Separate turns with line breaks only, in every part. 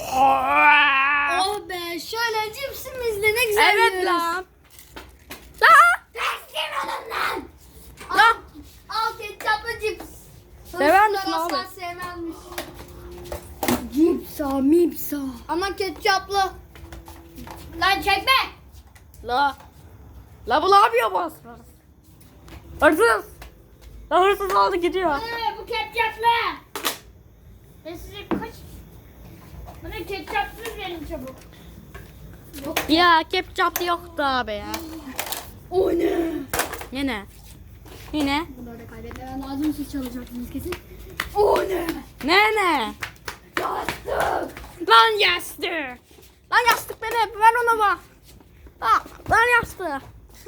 Oh be, şöyle cipsimizle ne güzel
Evet
yiyoruz.
lan. Lan.
Teslim olun lan.
Lan.
Al ketçaplı cips.
Sever misin
Hırsızlar
abi?
asla sevmezmiş. Cipsa mipsa. Ama ketçaplı. Lan çekme.
La bu ne yapıyor bu hırsız? Hırsız. La hırsız oldu gidiyor.
Bu ketçaplı. Ben size kaç... Bana ketçapsız verin çabuk.
Ya ketçap yoktu abi ya.
O ne?
Yine. Yine.
Bunları da kaybetmem lazım. Siz çalacaksınız kesin. O ne?
Ne?
Yastık.
Lan yastık. Lan yastık benim. Ver onu bana. Lan yastık.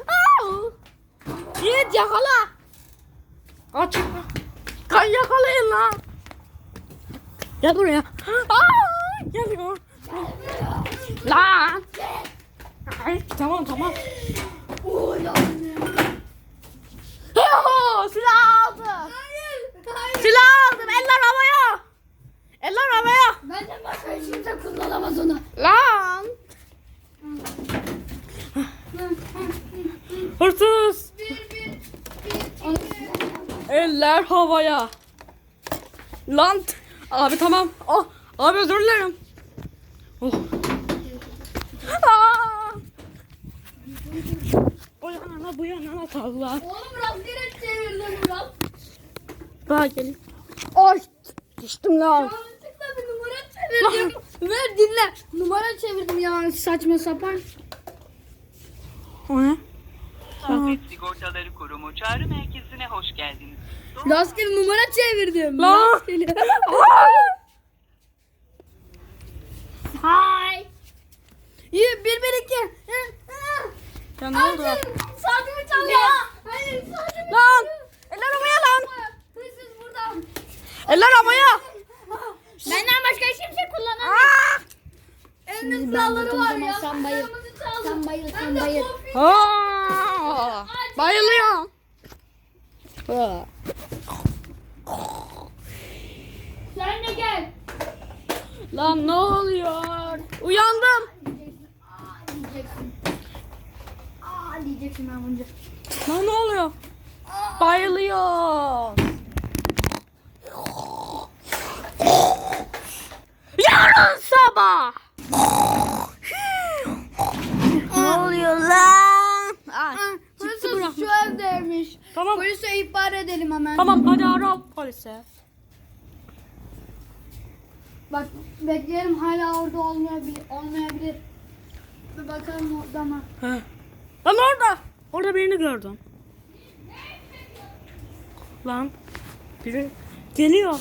Yiğit yakala. Aç. Kan yakalayın lan. Gel buraya. Geliyor. Lan. Ay, tamam.
O ne?
Silah aldım.
Hayır.
Silah aldım. Eller havaya. Eller havaya.
Benden başka hiç kimse kullanamaz onu.
Lan. Hırsız. Eller havaya. Lan. Abi tamam. Oh. Abi özür dilerim. Oh. Bu yana salla.
Oğlum rastgele çevirdim biraz.
Daha gelin. Ay. Düştüm lan.
Yanlışlıkla bir numara çevirdim. Ver dinle. Numara çevirdim ya saçma sapan.
O ne?
Afet Sigortaları Kurumu çağrı merkezine hoş geldiniz.
Rastgele numara çevirdim.
Lan.
Rastgele.
Hay.
İyi 1-1-2.
Ya ne oldu?
Saatimi çalıyor. Hayır saatimi
Lan.
çalıyor.
Eller havaya lan.
Hırsız buradan.
Eller havaya.
Benden başka hiç kimse kullanamaz. Elinin silahları var ya. Sen bayıl. Sen bayıl. Sen bayıl.
Bayılıyorum.
Sen de gel.
Lan ne oluyor? Uyandım.
Diyeceksin. Diyeceksin ben bunca.
Lan ne oluyor? Bayılıyor. Yarın sabah. Ne oluyor lan?
Hırsız şu evdeymiş.
Tamam.
Polise ihbar edelim hemen.
Tamam hadi ara polise.
Bak bekleyelim hala orada olmayabilir. Bir bakalım orada mı?
Lan orada. Orada birini gördüm. Lan biri geliyor.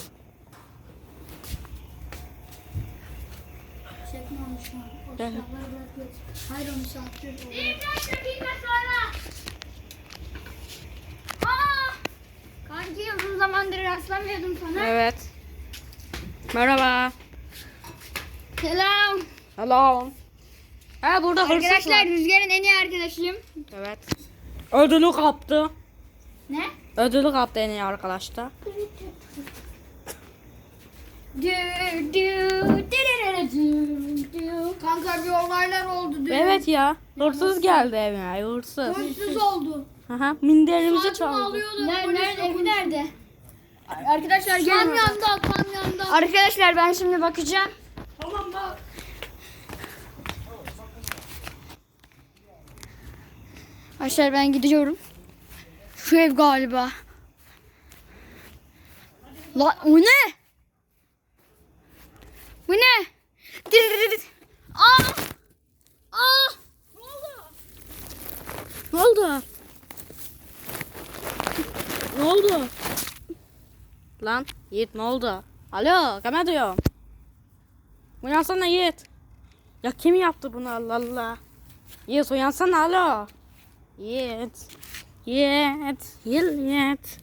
Çekme onu şu an. O
Evet.
silahları biraz geç. Hayır onu sattır. Kanki uzun zamandır rastlamıyordum sana.
Evet. Merhaba.
Selam.
Hello. Ha burada hırsız
Arkadaşlar
var.
Rüzgar'ın en iyi arkadaşıyım.
Evet. Ödülü kaptı.
Ne?
Ödülü kaptı en iyi arkadaşta.
Kanka bir olaylar oldu diyor.
Evet ya. Hırsız geldi evine. Hırsız.
Hırsız oldu.
Aha, minderimizi
Saçma
çaldı.
alıyordu. Nerede? Evi nerede? Arkadaşlar gelin. Kamyonda. Arkadaşlar ben şimdi bakacağım.
Tamam bak.
Arkadaşlar ben gidiyorum. Şu ev galiba. Lan o ne? Bu ne? Aa! Aa!
Ne oldu? Ne oldu? Lan Yiğit ne oldu? Alo kime diyorum? Uyansana Yiğit. Ya kim yaptı bunu Allah Allah? Yiğit uyansana alo. Yiğit. Yiğit.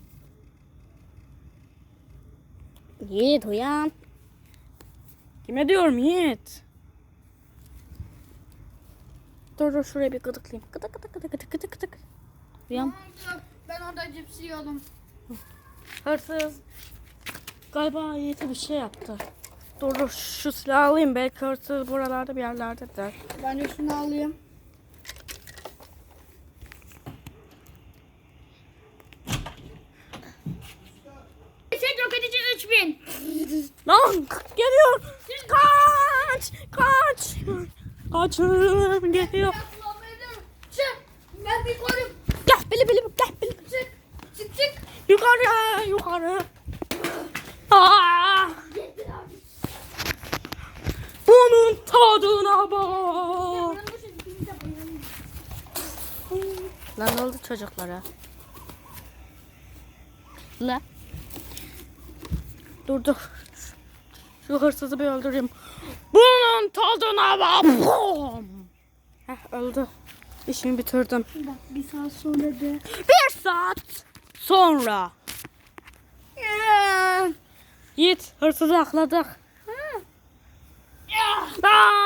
Yiğit uyan. Kime diyorum Yiğit? Dur şuraya bir gıdıklayayım. Gıdık. Uyan.
Ben orada cips yiyordum.
Hırsız. Galiba Yiğit'e bir şey yaptı. Dur şu silahı alayım. Belki hırsız buralarda bir yerlerdedir.
Ben de şunu alayım. Yüksek yok edici 3000.
Lan geliyor. Kaç. Kaç. Kaçın geliyor.
Çık. Ben bir koyayım.
Gel bili bili gel bili.
Çık. Çık çık.
Yukarı yukarı. Aa! Bunun tadına bak. Lan ne oldu çocuklara? La. Dur. Şu hırsızı bir öldüreyim. Bunun tadına bak. Heh, öldü. İşimi bitirdim.
Bir saat sonra de.
1 saat sonra. Yiğit hırsızı akladık. Aa!